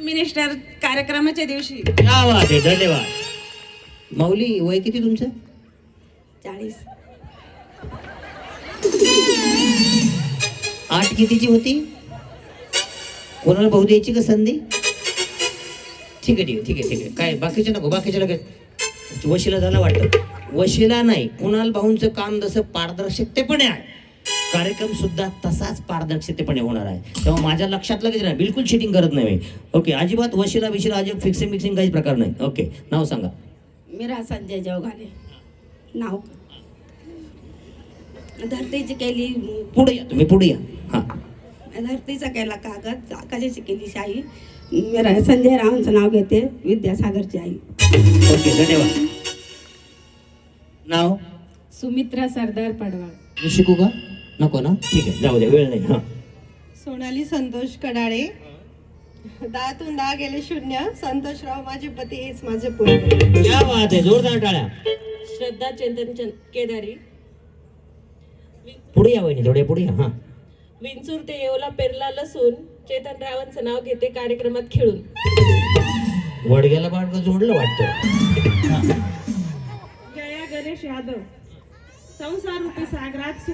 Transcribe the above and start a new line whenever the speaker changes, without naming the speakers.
Minister कार्यक्रमाच्या दिवशी.
क्या बात आहे, धन्यवाद. माऊली वय किती तुमचं?
40.
8 कितीची होती? कोणाला भाऊ द्यायची का संधी? ठीक आहे ठीक आहे ठीक आहे ठीक आहे. काय बाकीचे नको, बाकीचे लगेच वशिला झाला वाटतं. वशिला नाही, कुणाल भाऊंचं काम जसं पारदर्शकतेपणे आहे, कार्यक्रम सुद्धा तसाच पारदर्शकतेपणे होणार आहे. तेव्हा माझ्या लक्षात लगेच नाही, बिलकुल चिटिंग करत नाही मी. ओके, अजिबात वशिला विशिला अजिबात फिक्सिंग मिक्सिंग काहीच प्रकार नाही. ओके, नाव सांगा.
मीरा संजय जवघाले नाव. धरतीची केली,
पुढे या तुम्ही, पुढे या. हां,
धरतीचा केला कागद, आकाशाची केली शाही. मीरा संजय रावांचं नाव घेते, विद्यासागरची आई.
ओके, धन्यवाद. नाव?
सुमित्रा सरदार पडवाळ.
मी शिकू का? नको ना, ठीक आहे, जाऊ द्या, वेळ नाही. हां,
सोनाली संतोष कडाळे. 10तून 10 गेले 0. संतोषराव माझे पती, हेच माझे पुण्य.
क्या बात आहे, जोरदार टाळ्या.
श्रद्धा चंदन केदारी.
पुढे या वहिनी, थोडे पुढे या. हां,
विंचूर ते येवला पेरला लसून चेतन रावांचं नाव घेते कार्यक्रमात खेळून.
वडग्याला बाळगं जोडलं वाटतं.
जया गणेश यादव. संसार रूपी सागरात